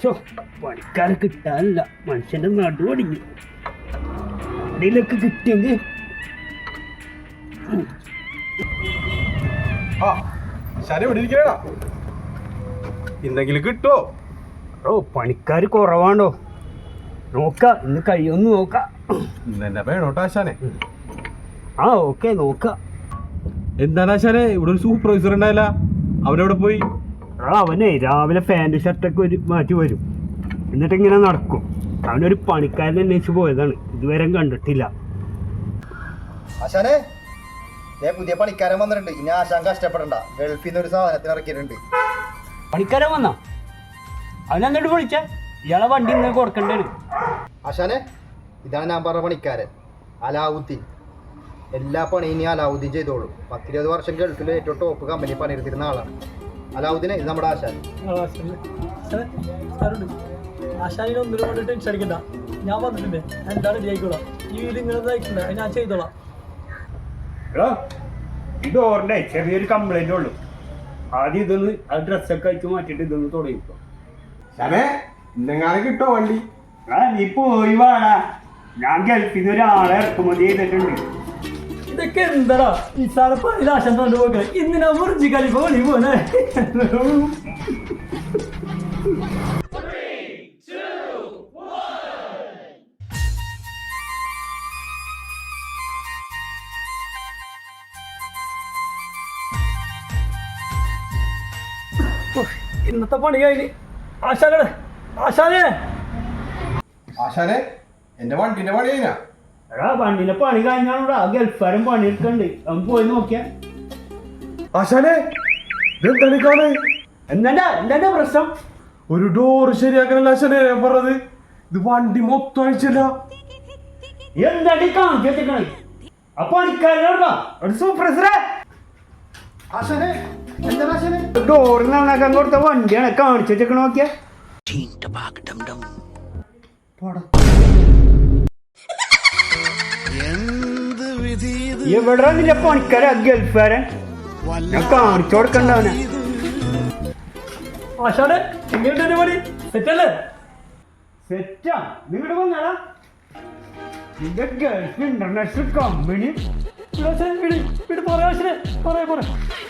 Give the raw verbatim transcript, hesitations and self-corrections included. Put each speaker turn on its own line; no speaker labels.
പണിക്കാരെ കിട്ടാനില്ല, മനുഷ്യന്റെ നടുവടിഞ്ഞു. അതിലൊക്കെ കിട്ടിയെങ്കിൽ
എന്തെങ്കിലും കിട്ടോ?
ഓ പണിക്കാർ കുറവാണോ? നോക്ക, ഇന്ന് കഴിയൊന്ന് നോക്കാം.
ഇന്നെ വേണോട്ടോ ആശാനെ.
ആ ഓക്കെ നോക്ക.
എന്താണ് ആശാനെ, ഇവിടെ ഒരു സൂപ്പർവൈസർ ഉണ്ടായില്ല, അവനെവിടെ പോയി?
അവനെ രാവിലെ പാൻറ് ഷർട്ടൊക്കെ ഒരു മാറ്റി വരും, എന്നിട്ട് ഇങ്ങനെ നടക്കും. അവനൊരു പണിക്കാരനെ അന്വേഷിച്ച് പോയതാണ്, ഇതുവരെ കണ്ടിട്ടില്ല.
ആശാനെ പുതിയ പണിക്കാരൻ വന്നിട്ടുണ്ട്. ഇനി ആശാൻ കഷ്ടപ്പെടണ്ട, ഗൾഫിൽ നിന്ന് ഒരു സാധനത്തിന് ഇറക്കിയിട്ടുണ്ട്.
പണിക്കാരൻ വന്നാ? അവനെന്നിട്ട് വിളിച്ച ഇയാളെ വണ്ടി ഇങ്ങനെ കൊടുക്കണ്ടേന്.
ആശാനെ ഇതാണ് ഞാൻ പറഞ്ഞ പണിക്കാരൻ, അലാവുദ്ദീൻ. എല്ലാ പണിയും ഇനി അലാവുദ്ദീൻ ചെയ്തോളും. പത്തിരുപത് വർഷം ഗൾഫിൽ ഏറ്റവും ടോപ്പ് കമ്പനി പണിയെടുത്തിരുന്ന ആളാണ് അലാവുദ്ദീനെ. ഇത് നമ്മുടെ ആശാൻ.
ആശാനിനെ ഒന്നിനും കൊണ്ട് ടെൻഷൻ അടിക്കണ്ട, ഞാൻ വന്നിട്ടുണ്ട്, എന്താണ് ജയിക്കോളാം. ഈ വീട് ഇങ്ങനെ ഇതായിട്ടുണ്ട്, അത് ഞാൻ ചെയ്തോളാം.
ഈ ഡോറിന്റെ ചെറിയൊരു കംപ്ലൈന്റ് ഉള്ളു. ആദ്യം ഇതൊന്ന് ആ ഡ്രസ്സൊക്കെ അയച്ചു മാറ്റിട്ട് ഇതൊന്ന് തുടങ്ങിക്കോ.
ഇന്നെങ്ങാനും കിട്ടോ വണ്ടി?
ആ നീ പോയി വേണ, ഞാൻ ഗൾഫിൽ നിന്ന് ഒരാളെ ഇറക്കുമതി ചെയ്തിട്ടുണ്ട്.
ഇതൊക്കെ എന്താടാ ഈ സാറ് പണിയിൽ ആശാൻ കൊണ്ട് പോകെ, ഇന്നിനാ മുറിച്ച് കളി പോണി പോനെ. ഇന്നത്തെ പണി കഴിഞ്ഞ്. ആശാനെ ആശാനെ
ആശാനെ എന്റെ വണ്ടിന്റെ പണി കഴിഞ്ഞാ?
എടാ വണ്ടിന്റെ പണി കഴിഞ്ഞാണോടാ, ഗൾഫാരും പണിയെടുക്കണ്ട്, അവൻ പോയി നോക്കിയാ.
ആശാനെ ഇതെന്താണ് കാണേ?
എന്താ എന്താ പ്രശ്നം?
ഒരു ഡോറ് ശരിയാക്കാനല്ല ആശാനെ ഞാൻ പറഞ്ഞത്, ഇത് വണ്ടി മൊത്തം അഴിച്ചല്ല.
എന്താടി കാണിച്ചു വെച്ചേക്കണേ? ആ പണിക്കാരനോടാ സൂപ്രസറെ
ആശാനെ എന്താണ് ആശാനെ?
ഡോറ് നന്നാക്കാൻ കൊടുത്ത വണ്ടിയാണ് കാണിച്ചു വെച്ചേക്കണ. നോക്കിയാ എവിടെ നിന്റെ പണിക്കാര ഗൾഫാരൻ? ഞാൻ കാണിച്ചു കൊടുക്കണ്ടവനെ.
ആശാനെ എങ്ങനെയുണ്ട് പണി? സെറ്റല്ലേ?
സെറ്റാ. നിങ്ങടെ വന്നാടാ നിന്റെ ഗൾഫ് ഇന്റർനാഷണൽ കമ്പനി.
പറയാ പറയാ